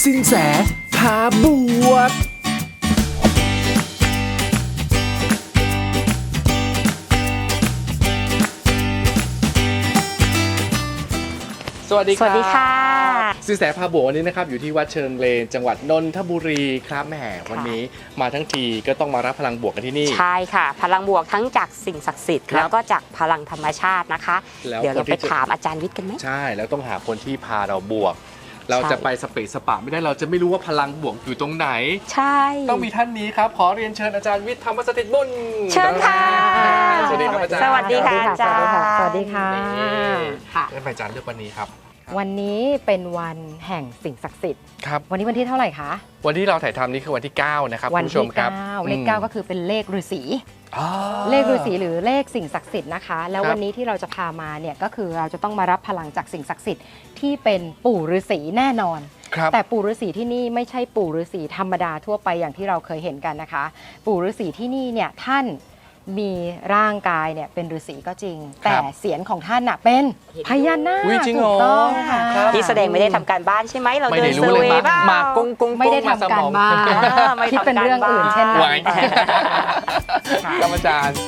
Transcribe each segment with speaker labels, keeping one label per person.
Speaker 1: สินแสพาบวกสวัสดีครับ
Speaker 2: สวัสดีค่ะ
Speaker 1: สินแสพาบวกวันนี้นะครับอยู่ที่วัดเชิงเลนจังหวัดนนทบุรีครับแหมวันนี้มาทั้งทีก็ต้องมารับพลังบวกกันที่นี่
Speaker 2: ใช่ค่ะพลังบวกทั้งจากสิ่งศักดิ์สิทธิ์แล้วก็จากพลังธรรมชาตินะคะเดี๋ยวเราไปถามอาจารย์วิทย์กันไหม
Speaker 1: ใช่แล้วต้องหาคนที่พาเราบวกเราจะไปสเปซสปะไม่ได้เราจะไม่รู้ว่าพลังบวกอยู่ตรงไหน
Speaker 2: ใช่
Speaker 1: ต้องมีท่านนี้ครับขอเรียนเชิญอาจารย์วิทย์ธรรมสถิตบุญ
Speaker 2: เชิญค่ะ
Speaker 1: สวัสดีครับอาจารย์
Speaker 2: สวัสดีค่ะอาจารย์
Speaker 3: สวัสดีค่ะ
Speaker 1: ค่ะท่านอาจารย์เลือกวันนี้ครับ
Speaker 3: วันนี้เป็นวันแห่งสิ่งศักดิ์สิทธิ์
Speaker 1: ครับ
Speaker 3: วันนี้วันที่เท่าไหร่คะ
Speaker 1: วันที่เราถ่ายทำนี้คือวันที่9นะครับคุณผู้ชมครับ
Speaker 3: เลข 9ก็คือเป็นเลขฤาษีเลขฤาษีหรือเลขสิ่งศักดิ์สิทธิ์นะคะแล้ววันนี้ที่เราจะพามาเนี่ยก็คือเราจะต้องมารับพลังจากสิ่งศักดิ์สิทธิ์ที่เป็นปู่ฤาษีแน่นอนแต่ปู่ฤาษีที่นี่ไม่ใช่ปู่ฤาษีธรรมดาทั่วไปอย่างที่เราเคยเห็นกันนะคะปู่ฤาษีที่นี่เนี่ยท่านมีร่างกายเนี่ยเป็นฤาษีก็จริงแต่เสียงของท่านน่ะเป็นพญานาคถูกต้องค่ะ
Speaker 2: ที่แสดงไม่ได้ทำการบ้านใช่ไหมเราเดินเซอร์เวย์บ้าง
Speaker 1: มากง
Speaker 3: ไม่ได้ทำการบ้านคิดเป็นเรื่องอื่นเช่นนั้น
Speaker 1: ครับอาจารย์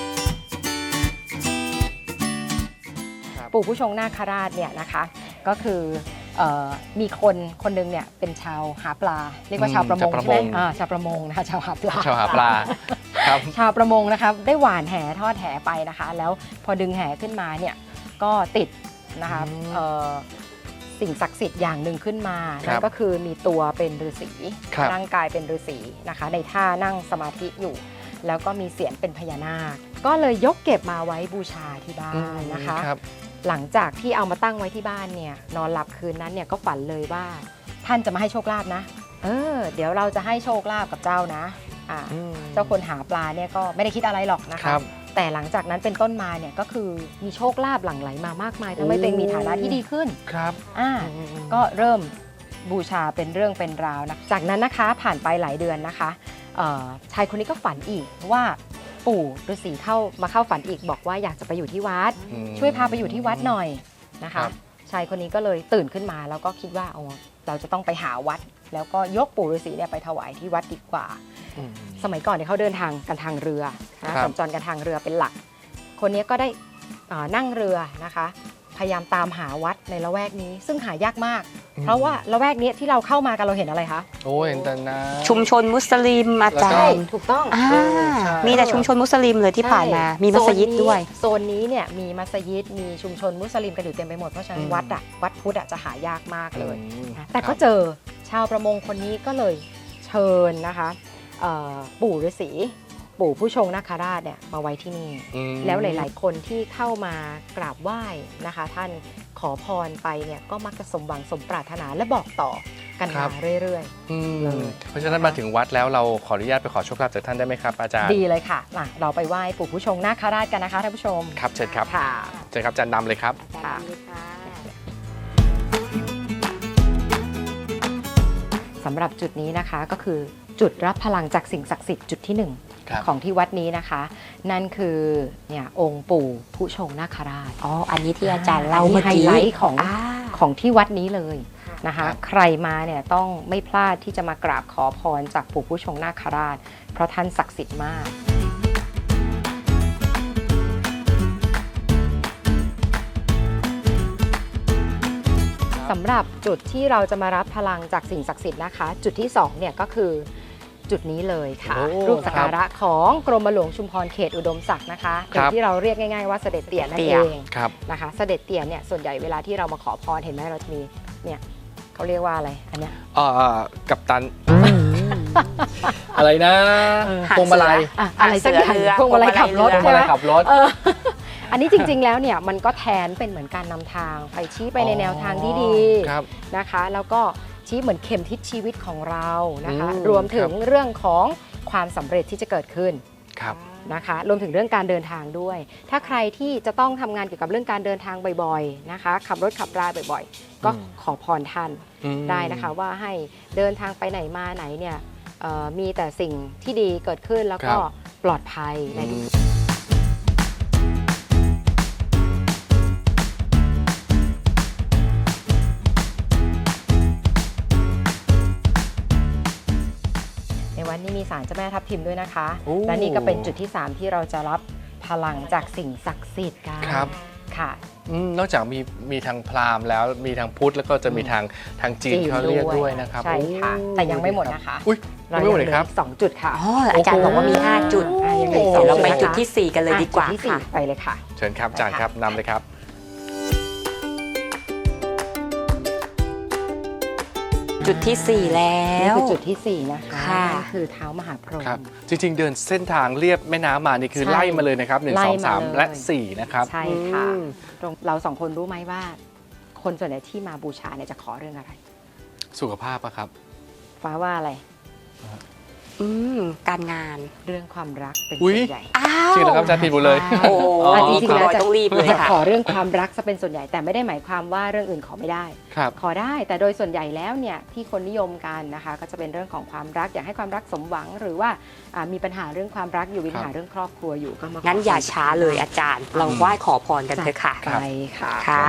Speaker 3: ปู่ผู้ชงนาคราชเนี่ยนะคะก็คือมีคนหนึ่งเนี่ยเป็นชาวหาปลาเรียกว่าชาวประมงใช่ไหมชาวประมงนะคะชาวหาปลา
Speaker 1: ครับ
Speaker 3: ชาวประมงนะคะได้หว่านแหทอดแหไปนะคะแล้วพอดึงแหขึ้นมาเนี่ยก็ติดนะคะสิ่งศักดิ์สิทธิ์อย่างหนึ่งขึ้นมานั่นก็คือมีตัวเป็นฤาษีร่างกายเป็นฤาษีนะคะในท่านั่งสมาธิอยู่แล้วก็มีเสียงเป็นพญานาคก็เลยยกเก็บมาไว้บูชาที่บ้านนะคะหลังจากที่เอามาตั้งไว้ที่บ้านเนี่ยนอนหลับคืนนั้นเนี่ยก็ฝันเลยว่าท่านจะมาให้โชคลาภนะเดี๋ยวเราจะให้โชคลาภกับเจ้านะเจ้าคนหาปลาเนี่ยก็ไม่ได้คิดอะไรหรอกนะคะแต่หลังจากนั้นเป็นต้นมาเนี่ยก็คือมีโชคลาภหลั่งไหลมามากมายทำให้ตัวเองมีฐานะที่ดีขึ้น
Speaker 1: ครับ
Speaker 3: ก็เริ่มบูชาเป็นเรื่องเป็นราวนะจากนั้นนะคะผ่านไปหลายเดือนนะคะชายคนนี้ก็ฝันอีกว่าปู่ฤาษีมาเข้าฝันอีกบอกว่าอยากจะไปอยู่ที่วัดช่วยพาไปอยู่ที่วัดหน่อยนะคะชายคนนี้ก็เลยตื่นขึ้นมาแล้วก็คิดว่าเราจะต้องไปหาวัดแล้วก็ยกปู่ฤาษีเนี่ยไปถวายที่วัดดีกว่าสมัยก่อนเนี่ยเขาเดินทางกันทางเรือนะสัญจรกันทางเรือเป็นหลักคนนี้ก็ได้นั่งเรือนะคะพยายามตามหาวัดในละแวกนี้ซึ่งหายากมากเพราะว่าละแวกนี้ที่เราเข้ามากันเราเห็นอะไรคะ
Speaker 1: เห็นแต่น้ำ
Speaker 2: ชุมชนมุสลิมอาจารย์
Speaker 3: ถูกต้อง
Speaker 2: มีแต่ชุมชนมุสลิมเลยที่ผ่านมามีมัสยิดด้วย
Speaker 3: โซนนี้เนี่ยมีมัสยิดมีชุมชนมุสลิมกันอยู่เต็มไปหมดเพราะฉะนั้นวัดพุทธจะหายากมากเลยแต่ก็เจอชาวประมงคนนี้ก็เลยเชิญนะคะปู่ฤาษีปู่ผู้ชงนาคราชเนี่ยมาไว้ที่นี่แล้วหลายๆคนที่เข้ามากราบไหว้นะคะท่านขอพรไปเนี่ยก็มักจะสมหวังสมปรารถนาและบอกต่อกันมาเรื่อย
Speaker 1: ๆเพราะฉะนั้นมาถึงวัดแล้วเราขออนุญาตไปขอโชคลาภจากท่านได้ไหมครับอาจารย์
Speaker 3: ดีเลยค่ะเราไปไหว้ปู่ผู้ชงนาคราชกันนะคะท่านผู้ชม
Speaker 1: ครับเชิญครับเชิญครับอาจารย์นำเลยครับ
Speaker 3: สำหรับจุดนี้นะคะก็คือจุดรับพลังจากสิ่งศักดิ์สิทธิ์จุดที่1ของที่วัดนี้นะคะนั่นคือเนี่ยองค์ปู่ผู้ชงนาคราช
Speaker 2: อันนี้ที่อาจารย์เล่าเมื่อ
Speaker 3: กี้ไฮไลท์ของที่วัดนี้เลยนะคะใครมาเนี่ยต้องไม่พลาดที่จะมากราบขอพรจากปู่ผู้ชงนาคราชเพราะท่านศักดิ์สิทธิ์มากสำหรับจุดที่เราจะมารับพลังจากสิ่งศักดิ์สิทธิ์นะคะจุดที่2เนี่ยก็คือจุดนี้เลยค่ะรูปสักการะของกรมหลวงชุมพรเขตอุดมศักดิ์นะคะหรือที่เราเรียกง่ายๆว่าเสด็จเตี่ยนั่นเองนะคะเสด็จเตี่ยเนี่ยส่วนใหญ่เวลาที่เรามาขอพรเห็นไหมเราจะมีเนี่ยเขาเรียกว่าอะไรอันเนี้ย
Speaker 1: กัปตันอะไรนะพวงมาลัย
Speaker 3: อะไรสักอย่างพวงมาลัยขับรถใช่ไหมอันนี้จริงๆแล้วเนี่ยมันก็แทนเป็นเหมือนการนำทางไปชี้ไปในแนวทางที่ดีนะคะแล้วก็ชี้เหมือนเข็มทิศชีวิตของเรานะคะรวมถึงเรื่องของความสำเร็จที่จะเกิดขึ้นนะคะรวมถึงเรื่องการเดินทางด้วยถ้าใครที่จะต้องทำงานเกี่ยวกับเรื่องการเดินทางบ่อยๆนะคะขับรถขับราบ่อยๆก็ขอพรท่านได้นะคะว่าให้เดินทางไปไหนมาไหนเนี่ยมีแต่สิ่งที่ดีเกิดขึ้นแล้วก็ปลอดภัยในทุกนี่มีศาลเจ้าแม่ทับทิมด้วยนะคะ
Speaker 1: โอ้
Speaker 3: และนี่ก็เป็นจุดที่ 3 ที่เราจะรับพลังจากสิ่งศักดิ์สิทธิ์กัน
Speaker 1: ครับ
Speaker 3: ค่ะ
Speaker 1: นอกจากมีทางพราหมณ์แล้วมีทางพุทธแล้วก็จะมีทางจีนเขาเรียกด้วยนะครับ
Speaker 3: ใช่ค่ะ
Speaker 1: โอ้
Speaker 3: แต่ยังไม่หมดนะคะ
Speaker 1: อุ้ยยังไม่หมดเลยครับ
Speaker 3: ายังหลืออีก2 จุดค่ะ
Speaker 2: อ๋ออาจารย์บอกว่ามี 5 จุด
Speaker 3: ยังเหลือ
Speaker 2: เดี๋ยวเราไป
Speaker 3: 2
Speaker 2: จุดที่ 4 กันเลยดีกว่า
Speaker 3: จุดที่
Speaker 2: ค่ะ
Speaker 3: 4ไปเลยค่ะ
Speaker 1: เชิญครับอาจารย์ครับนำเลยครับ
Speaker 2: จุดที่ 4 แล้
Speaker 3: นี่
Speaker 2: ว
Speaker 3: คือจุดที่ 4 นะคะ
Speaker 2: ค่ะ
Speaker 3: นั่นคือเท้ามหาพรหม
Speaker 1: ครับจริงๆเดินเส้นทางเรียบแม่น้ำมานี่คือ
Speaker 3: ใช่
Speaker 1: ไล่มาเลยนะครับ
Speaker 3: ไล่
Speaker 1: 1 2
Speaker 3: มาเลย
Speaker 1: 3 และ 4 นะครับ
Speaker 3: ใช่ค่ะ
Speaker 1: อืม
Speaker 3: เรา2 คนรู้ไหมว่า คนส่วนใหญ่ที่มาบูชาเนี่ยจะขอเรื่องอะไร
Speaker 1: สุขภาพอะครับ
Speaker 3: ฟ้าว่าอะไร
Speaker 2: การงาน
Speaker 3: เรื่องความรักเป็น
Speaker 1: อุ๊
Speaker 3: ส่
Speaker 1: ย
Speaker 3: วนใหญ่
Speaker 2: อ้าว
Speaker 1: จริงเหรอครับอาจารย์ผิดหมดเลย
Speaker 2: โอ้
Speaker 1: อ๋อ
Speaker 3: จริงๆแล้วจะ
Speaker 2: ต้องรีบเลย
Speaker 3: จะ
Speaker 2: ค่ะ
Speaker 3: ขอเรื่องความรักจะเป็นส่วนใหญ่แต่ไม่ได้หมายความว่าเรื่องอื่นขอไม่ได้
Speaker 1: ครับ
Speaker 3: ขอได้แต่โดยส่วนใหญ่แล้วเนี่ยที่คนนิยมกันนะคะ ก็จะเป็นเรื่องของความรักอยากให้ความรักสมหวัง หรือว่ามีปัญหาเรื่องความรักอยู่มีปัญหาเรื่องครอบครัวอยู่ก็มา
Speaker 2: งั้นอย่าช้าเลยอาจารย์ เราไหว้ขอพรกันเถอะค่ะ
Speaker 3: ไปค่ะ
Speaker 2: ค่ะ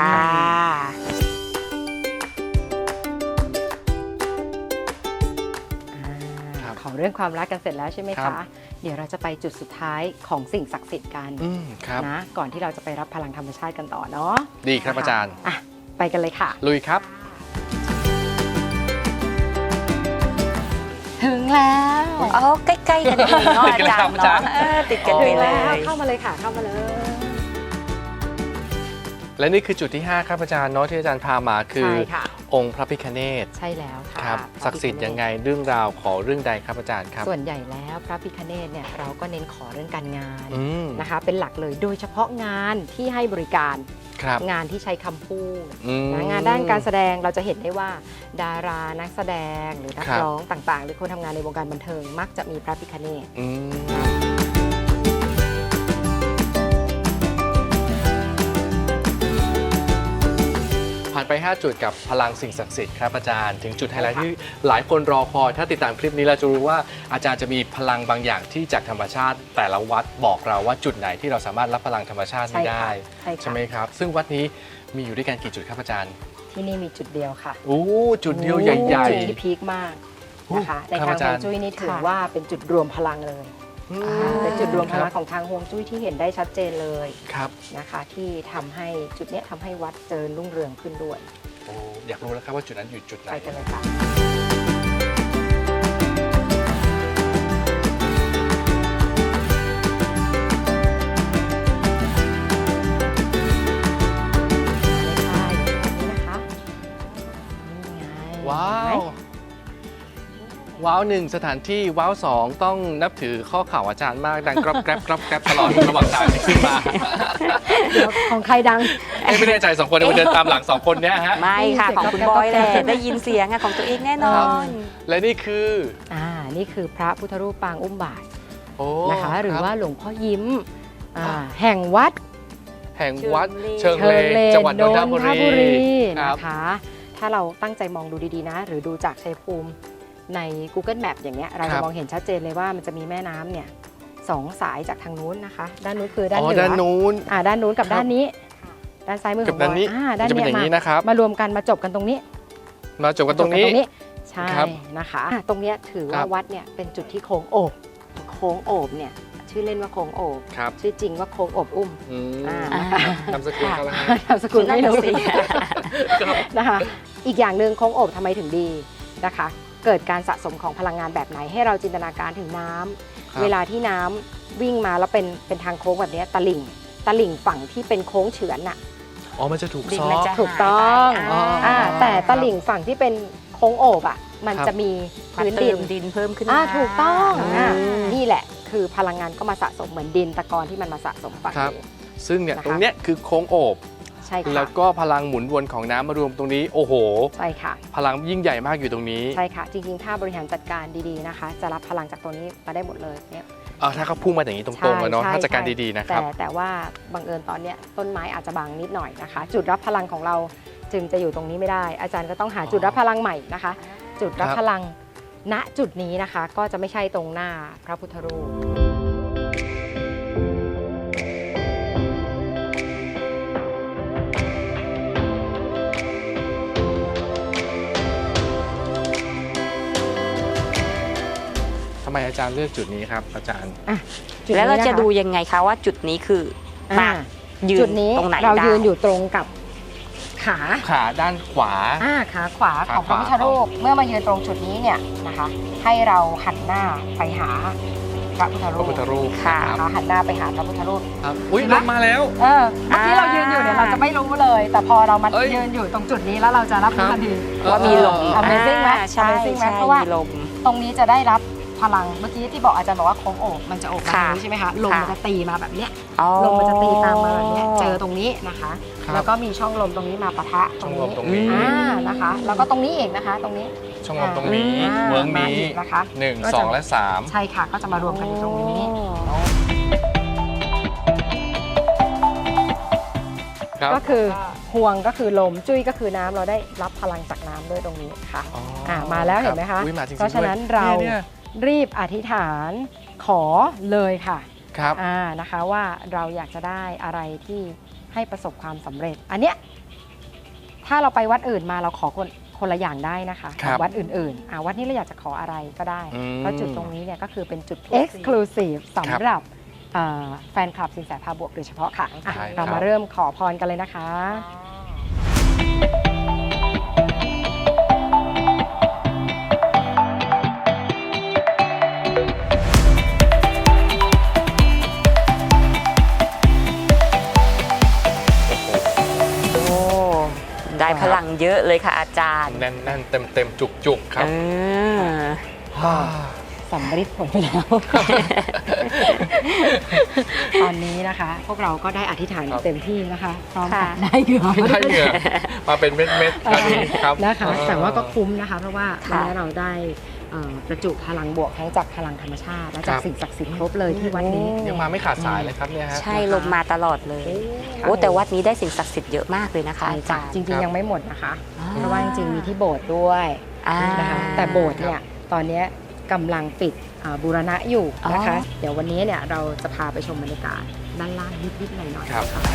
Speaker 1: ครับ
Speaker 3: ขอเรื่องความรักกันเสร็จแล้วใช่ไหม
Speaker 1: ครั
Speaker 3: คะ
Speaker 1: บ
Speaker 3: เดี๋ยวเราจะไปจุดสุดท้ายของสิ่งศักดิ์สิทธิ์กัน
Speaker 1: ครับ
Speaker 3: นะก่อนที่เราจะไปรับพลังธรรมชาติกันต่อเนาะ
Speaker 1: ดีครับอาจารย์
Speaker 3: อ่ะไปกันเลยค่ะ
Speaker 1: ลุยครับ
Speaker 3: ถึงแล้ว
Speaker 2: อ๋อใกล้ๆกันเองเนาะอาจารย์
Speaker 1: อาจาร
Speaker 2: เนาะ
Speaker 1: ย์
Speaker 2: ติดกัน
Speaker 3: ถึ
Speaker 2: ไป
Speaker 3: ง
Speaker 2: เล
Speaker 3: แล้ว
Speaker 2: ย
Speaker 3: เข้ามาเลยค่ะเข้ามาเลย
Speaker 1: และนี่คือจุดที่ 5 ครับอาจารย์เนาะที่อาจารย์พามาคือ
Speaker 3: ใช่ค่ะ
Speaker 1: องค์พระพิฆเนศ
Speaker 3: ใช่แล้วค่ะ
Speaker 1: ครับ
Speaker 3: พะ
Speaker 1: ศักดิ์สิทธิ์ยังไงเรื่องราวขอเรื่องใดครับอาจารย์ครับ
Speaker 3: ส่วนใหญ่แล้วพระพิฆเนศเนี่ยเราก็เน้นขอเรื่องการงาน
Speaker 1: อืม
Speaker 3: นะคะ เป็นหลักเลยโดยเฉพาะงานที่ให้บริการ
Speaker 1: ครับ
Speaker 3: งานที่ใช้คำพูด
Speaker 1: อืม
Speaker 3: นะงานด้านการแสดงเราจะเห็นได้ว่า ดารานักแสดงหรือนัก
Speaker 1: ครับ
Speaker 3: ร้องต่างๆ หรือคนทำงานในวงการบันเทิง มักจะมีพระพิฆเนศ
Speaker 1: อืมผ่านไป 5 จุดกับพลังสิ่งศักดิ์สิทธิ์ครับอาจารย์ถึงจุดไฮไลท์ที่หลายคนรอคอยถ้าติดตามคลิปนี้เราจะรู้ว่าอาจารย์จะมีพลังบางอย่างที่จากธรรมชาติ แต่ละวัดบอกเราว่าจุดไหนที่เราสามารถรับพลังธรรมชาตินี้ได้
Speaker 3: ใช่ค่ะ
Speaker 1: ใช่ไหมครับ ซึ่งวัดนี้มีอยู่ด้วยกันกี่จุดครับอาจารย์
Speaker 3: ที่นี่มีจุดเดียวค่ะ
Speaker 1: โอ้จุดเดียวใหญ่
Speaker 3: จุดที่พีคมากนะคะ
Speaker 1: โอ้
Speaker 3: ใน
Speaker 1: ครับ
Speaker 3: ทาง
Speaker 1: อาจา
Speaker 3: ฮ
Speaker 1: ร
Speaker 3: ว
Speaker 1: ย์
Speaker 3: งจุ้ยนี่ถือ
Speaker 2: ค่ะ
Speaker 3: ว่าเป็นจุดรวมพลังเลย
Speaker 1: ๆอืม
Speaker 3: เป็นจุดรวมพลัง
Speaker 1: ค
Speaker 3: ของทางฮวงจุ้ยที่เห็นได้ชัดเจนเลย
Speaker 1: ครับ
Speaker 3: นะคะที่ทำให้จุดเนี้ยทำให้วัดเจริญรุ่งเรืองขึ้นด้วย
Speaker 1: โอ้อยากรู้แล้วครับว่าจุดนั้นอยู่จุดไหน
Speaker 3: ไปกันเลยค่ะ มาเลยค่ะอยู่ตรงนี้นะคะนี่ไง
Speaker 1: ว้า
Speaker 3: เห็น
Speaker 1: ว
Speaker 3: ไหม
Speaker 1: ว้าวหนึ่งสถานที่ว้าวสองต้องนับถือข้อเข่าอาจารย์มากดังกรอบแกรบกรอบแกรบตลอดระหว่างทางที่ขึ้นมา
Speaker 3: เดี๋ยวของใครดัง
Speaker 1: ไม่แน่ใจสองคนเดินตามหลังสองคนเนี้ยฮะ
Speaker 2: ไม่ค่ะ ของคุณบอยแหละได้ยินเสียงอะของตัวเองแน่นอน
Speaker 1: และนี่คือ
Speaker 3: นี่คือพระพุทธรูปปางอุ้มบาท
Speaker 1: โอ้
Speaker 3: นะคะ หรือ
Speaker 1: คบ
Speaker 3: ว่าหลวงพ่อยิ้มแห่งวัด
Speaker 1: แห่งวัด
Speaker 2: เชิ
Speaker 1: เชิง
Speaker 2: ง
Speaker 1: เล
Speaker 3: เล
Speaker 1: จังหวัดนนทบุ
Speaker 3: นนทบุ
Speaker 1: รี
Speaker 3: รี
Speaker 1: ครับ
Speaker 3: นะคะ ถ้าเราตั้งใจมองดูดีๆนะ หรือดูจากชัยภูมิใน Google Map อย่างเงี้ยเรา
Speaker 1: ครั
Speaker 3: จะ
Speaker 1: บ
Speaker 3: มองเห็นชัดเจนเลยว่ามันจะมีแม่น้ำเนี่ย2 สายจากทางนู้นนะคะ ด้านนู้นคือด้าน
Speaker 1: อ๋อ
Speaker 3: เหนือ
Speaker 1: ด้านนู้น
Speaker 3: ด้านนู้นกับ
Speaker 1: ครับ
Speaker 3: ด้านนี้ ด้านซ้ายมือข
Speaker 1: กั
Speaker 3: อบ งบ
Speaker 1: ด้า
Speaker 3: อน ย
Speaker 1: นี้
Speaker 3: ด้าน
Speaker 1: จะเป็น
Speaker 3: เนี้
Speaker 1: อย่างนี้นะครับ
Speaker 3: มารวมกันมาจบกันตรงนี้
Speaker 1: มาจบกันตรงนี้
Speaker 3: ใช่
Speaker 1: ครับ
Speaker 3: นะคะตรงเนี้ยถือ
Speaker 1: ครั
Speaker 3: ว่า
Speaker 1: บ
Speaker 3: วัดเนี่ยเป็นจุดที่โค้งโอบโค้งโอบเนี่ยชื่อเล่นว่าโค้งโอบ
Speaker 1: ครับ
Speaker 3: ชื่อจริงว่าโค้งโอบอุ้ม
Speaker 1: อืม
Speaker 3: นะคะ
Speaker 1: นามสกุลเขาแล้วฮะ
Speaker 3: นามสกุลไม่รู้
Speaker 2: นั่นน่ะสิ
Speaker 1: ครับ
Speaker 3: นะคะอีกอย่างหนึ่งโค้งโอบทำไมถึงดีนะคะ เกิดการสะสมของพลังงานแบบไหนให้เราจินตนาการถึงน้ำ
Speaker 1: ครับ
Speaker 3: เวลาที่น้ำวิ่งมาแล้วเป็นทางโค้งแบบเนี้ยตลิ่งฝั่งที่เป็นโค้งเฉือนน่ะ
Speaker 1: อ๋อมันจะถูก
Speaker 2: ดิน
Speaker 1: ซ้อ
Speaker 2: มันจะ
Speaker 3: ถูกต้อง
Speaker 1: อ๋อ
Speaker 3: แต่ตลิ่งฝั่งที่เป็นโค้งโอบอ่ะมัน
Speaker 1: ครับ
Speaker 3: จะมี
Speaker 2: มา
Speaker 3: พื้น
Speaker 2: เติ
Speaker 3: ดิน
Speaker 2: มดินเพิ่มขึ้น
Speaker 3: ถูกต้อง
Speaker 1: อืม
Speaker 3: นี่แหละคือพลังงานก็มาสะสมเหมือนดินตะกอนที่มันมาสะสมฝั่ง
Speaker 1: ครับ
Speaker 3: นี้
Speaker 1: ซึ่งเนี่ย
Speaker 3: นะคะ
Speaker 1: ตรงเนี้ยคือโค้งโอบ
Speaker 3: ใช่ค่ะ
Speaker 1: แล้วก็พลังหมุนวนของน้ำมารวมตรงนี้ โอ้โห
Speaker 3: ใช่ค่ะ
Speaker 1: พลังยิ่งใหญ่มากอยู่ตรงนี้
Speaker 3: ใช่ค่ะ จริงๆ ถ้าบริหารจัดการดีๆนะคะ จะรับพลังจากตัวนี้มาได้หมดเลยเนี่ย
Speaker 1: ถ้าเขาพุ่งมาอย่างนี้ตรงๆอะเนาะ
Speaker 3: ใช่
Speaker 1: ถ้าจัดการ
Speaker 3: ใช่
Speaker 1: ดีๆนะครับ
Speaker 3: แต่ว่าบังเอิญตอนเนี้ยต้นไม้อาจจะบังนิดหน่อยนะคะ จุดรับพลังของเราจึงจะอยู่ตรงนี้ไม่ได้ อาจารย์ก็ต้องหาจุดรับพลังใหม่นะคะ จุดรับ
Speaker 1: ครับ
Speaker 3: พลังณจุดนี้นะคะ ก็จะไม่ใช่ตรงหน้าพระพุทธรูป
Speaker 1: ทำไไมอาจารย์เลือกจุดนี้ครับอาจารย์
Speaker 3: จุด
Speaker 2: แล้ว
Speaker 3: นี้
Speaker 2: เรา
Speaker 3: นค
Speaker 2: จะดูยังไงคะว่าจุดนี้คือ
Speaker 3: อ่า
Speaker 2: ยืน
Speaker 3: จุดนี้
Speaker 2: ตรงไหน
Speaker 3: เรา
Speaker 2: ได้
Speaker 3: ยืนอยู่ตรงกับขา
Speaker 1: ขาด้านขวา
Speaker 3: ขาขวา
Speaker 1: ขา
Speaker 3: ของพระพุทธ
Speaker 1: ขวา
Speaker 3: รูปเมื่อมายืนตรงจุดนี้เนี่ยนะคะ ให้เราหันหน้าไปหาพระพุทธ
Speaker 1: พ
Speaker 3: รู
Speaker 1: ระ
Speaker 3: ป
Speaker 1: พุทธรูป
Speaker 2: ค่ะ
Speaker 1: ครับ
Speaker 3: นะคะหันหน้าไปหาพระพุทธรูป
Speaker 1: ครับอุ้ยลงมาแล้ว
Speaker 3: เมื่อกี้เรายืนอยู่เนี่ยเราจะไม่รู้เลย แต่พอเรามา
Speaker 1: เอ้ย
Speaker 3: ยืนอยู่ตรงจุดนี้แล้วเราจะรับรู้ทันที
Speaker 2: ว่ามีลม
Speaker 3: Amazing ไหม
Speaker 2: ใช่
Speaker 3: Amazing ไหม
Speaker 2: ใช่
Speaker 3: เพราะว่า
Speaker 2: มีลม
Speaker 3: ตรงนี้จะได้รับพลังเมื่อกี้ที่บอกอาจารย์บอกว่าโค้งโอบมันจะโอบมา
Speaker 2: ค่ะ
Speaker 3: ตรงนี้ใช่ไหมคะลม
Speaker 2: ค่ะ
Speaker 3: มันจะตีมาแบบเนี้ย
Speaker 2: อ๋อ
Speaker 3: ลมมันจะตีตามมาแบบเนี้ยเจอตรงนี้นะคะ
Speaker 1: ครับ
Speaker 3: แล้วก็มีช่องลมตรงนี้มาปะทะ
Speaker 1: ช่องลมตรงนี้
Speaker 3: นะคะ แล้วก็ตรงนี้อีกนะคะ ตรงนี้
Speaker 1: ช่องลมตรงนี้
Speaker 3: อ่า
Speaker 1: เวิร์ก
Speaker 3: มา
Speaker 1: นี้
Speaker 3: อีกนะคะ
Speaker 1: 1
Speaker 3: ก็จะ
Speaker 1: 2 และ 3
Speaker 3: ใช่ค่ะก็จะมารวมกันอยู่ตรงนี้
Speaker 1: ครับ
Speaker 3: ก็คือห่วงก็คือลมจุ้ยก็คือน้ำเราได้รับพลังจากน้ำด้วยตรงนี้ค่ะ มาแล้วเห็นไหมคะ
Speaker 1: อุ๊ยมาจริงๆ
Speaker 3: เพราะฉะนั้น
Speaker 1: ด้วย
Speaker 3: เรา
Speaker 1: เนี่ย
Speaker 3: รีบอธิษฐานขอเลยค่ะ
Speaker 1: ครับ
Speaker 3: นะคะว่าเราอยากจะได้อะไรที่ให้ประสบความสำเร็จ อันเนี้ยถ้าเราไปวัดอื่นมาเราขอคนละอย่างได้นะคะ
Speaker 1: ครับ
Speaker 3: วัดอื่นๆวัดนี้เราอยากจะขออะไรก็ได้
Speaker 1: อืม
Speaker 3: เพราะจุดตรงนี้เนี่ยก็คือเป็นจุด Exclusive สำหรับแฟนคลับสินแสพาบวกโดยเฉพาะค่ะ
Speaker 1: ใช่ครับ
Speaker 3: เรามาเริ่มขอพรกันเลยนะคะ
Speaker 2: โอ้ได้พลังเยอะเลยค่ะอาจารย์
Speaker 1: แน่นๆเต็มๆจุกๆครับ
Speaker 3: สำเร็จผลไปแล้ว ตอนนี้นะคะ พวกเราก็ได้อธิษฐาน
Speaker 1: ครับ
Speaker 3: เต็มที่นะคะพร้อมกับ
Speaker 2: ค่ะ
Speaker 3: ได้เหงื่อ
Speaker 1: ได้เหงื่อมาเป็นเม็ดๆครับนี้ครับ
Speaker 3: นะคะ แต่ว่าก็คุ้มนะคะ เพราะว่า
Speaker 2: ค่ะ
Speaker 3: วันนี้เราได้ประจุพลังบวกทั้งจากพลังธรรมชาติ และจาก
Speaker 1: ครับ
Speaker 3: สิ่งศักดิ์สิทธิ์ครบเลยที่วัดนี้
Speaker 1: ยังมาไม่ขาดสายเลยครับเนี่ยฮะ
Speaker 2: ใช่ลมมาตลอดเลยโอ้แต่วัดนี้ได้สิ่งศักดิ์สิทธิ์เยอะมากเลยนะคะอาจารย์
Speaker 3: จริง
Speaker 1: ครับ
Speaker 3: ๆยังไม่หมดนะคะ
Speaker 2: อ่า
Speaker 3: เพราะว่าจริงๆมีที่โบสถ์ด้วย นะคะแต่โบสถ์เนี่ยตอนนี้กำลังปิดบูรณะอยู่นะคะ เดี๋ยววันนี้เนี่ยเราจะพาไปชมบรรยากาศด้านล่างนิดๆหน่อยๆ
Speaker 1: ครับ
Speaker 3: นะคะ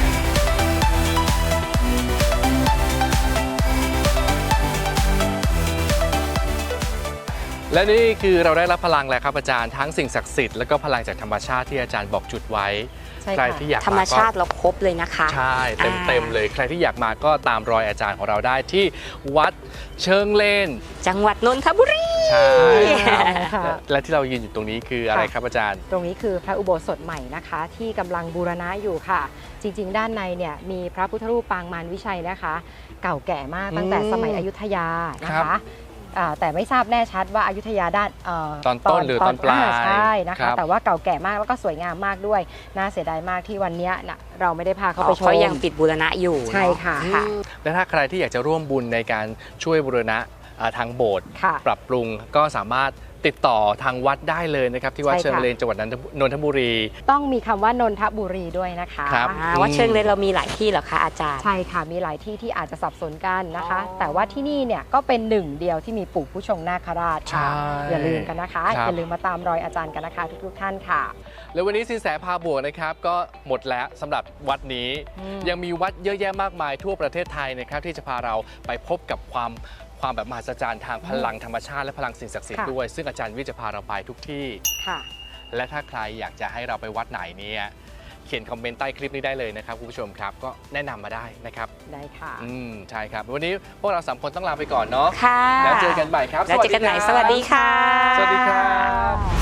Speaker 1: และนี่คือเราได้รับพลังแล้วครับอาจารย์ทั้งสิ่งศักดิ์สิทธิ์แล้วก็พลังจากธรรมชาติที่อาจารย์บอกจุดไว้
Speaker 3: ใช่
Speaker 1: ใคร
Speaker 3: ค่ะ
Speaker 1: ที่อยาก
Speaker 2: ธรรม
Speaker 1: มาก็
Speaker 2: ชาติเราครบเลยนะคะ
Speaker 1: ใช่เต็มเลยใครที่อยากมาก็ตามรอยอาจารย์ของเราได้ที่วัดเชิงเลน
Speaker 2: จังหวัดนนทบุรี
Speaker 1: ใช่
Speaker 3: ค่ะ
Speaker 1: และที่เรายืนอยู่ตรงนี้คืออะไรครับอาจารย์
Speaker 3: ตรงนี้คือพระอุโบสถใหม่นะคะ ที่กำลังบูรณะอยู่ค่ะ จริงๆ ด้านในเนี่ยมีพระพุทธรูปปางมารวิชัยนะคะ เก่าแก่มากตั้งแต่สมัยอยุธยานะคะแต่ไม่ทราบแน่ชัดว่าอยุธยาด้าน
Speaker 1: ตอนต้นหรือตอนปลาย
Speaker 3: ใช่นะ
Speaker 1: ครั
Speaker 3: คะ
Speaker 1: บ
Speaker 3: แต่ว่าเก่าแก่มากแล้วก็สวยงามมากด้วยน่าเสียดายมากที่วันเนี้ยน่ะเราไม่ได้พาเขาไปชม
Speaker 2: เขายังปิดบูรณะอยู่
Speaker 3: ใช่ค่ะ
Speaker 2: ค่ะ
Speaker 1: และถ้าใครที่อยากจะร่วมบุญในการช่วยบูรณะทางโบสถ์
Speaker 3: ค่ะ
Speaker 1: ปรับปรุงก็สามารถติดต่อทางวัดได้เลยนะครับที่วัด
Speaker 3: ใช่ค่ะ
Speaker 1: เชิงเลนจังหวัดนนทบุรี
Speaker 3: ต้องมีคำว่านนทบุรีด้วยนะคะ
Speaker 1: ครับ
Speaker 2: วัดเชิงเลยเรามีหลายที่เหรอคะอาจารย์
Speaker 3: ใช่ค่ะมีหลายที่ที่อาจจะสับสนกันนะคะ แต่ว่าที่นี่เนี่ยก็เป็นหนึ่งเดียวที่มีปู่ผู้ชงนาคราชค่ะ
Speaker 1: ใช่
Speaker 3: อย่าลืมกันนะคะ
Speaker 1: ครับ
Speaker 3: อย่าลืมมาตามรอยอาจารย์กันนะคะทุกๆท่านค่ะ
Speaker 1: แล้ววันนี้สินแสพาบวกนะครับก็หมดแล้วสำหรับวัดนี้ ยังมีวัดเยอะแยะมากมายทั่วประเทศไทยนะครับที่จะพาเราไปพบกับความแบบมหัศจรรย์ทางพลังธรรมชาติและพลังสิ่งศักดิ์สิทธิ์
Speaker 3: ค่ะ
Speaker 1: ด้วย ซึ่งอาจารย์วิจะพาเราไปทุกที่
Speaker 3: ค่ะ
Speaker 1: และถ้าใครอยากจะให้เราไปวัดไหนเนี่ยเขียนคอมเมนต์ใต้คลิปนี้ได้เลยนะครับคุณผู้ชมครับก็แนะนำมาได้นะครับ
Speaker 3: ได้ค่ะ
Speaker 1: ใช่ครับวันนี้พวกเรา3คนต้องลาไปก่อนเนาะ
Speaker 2: ค่ะ
Speaker 1: แล้วเจอกันใหม่ครับ
Speaker 2: แล้วเจอกันใหม่สวัสดีค่ะ
Speaker 1: สวัสดีครับ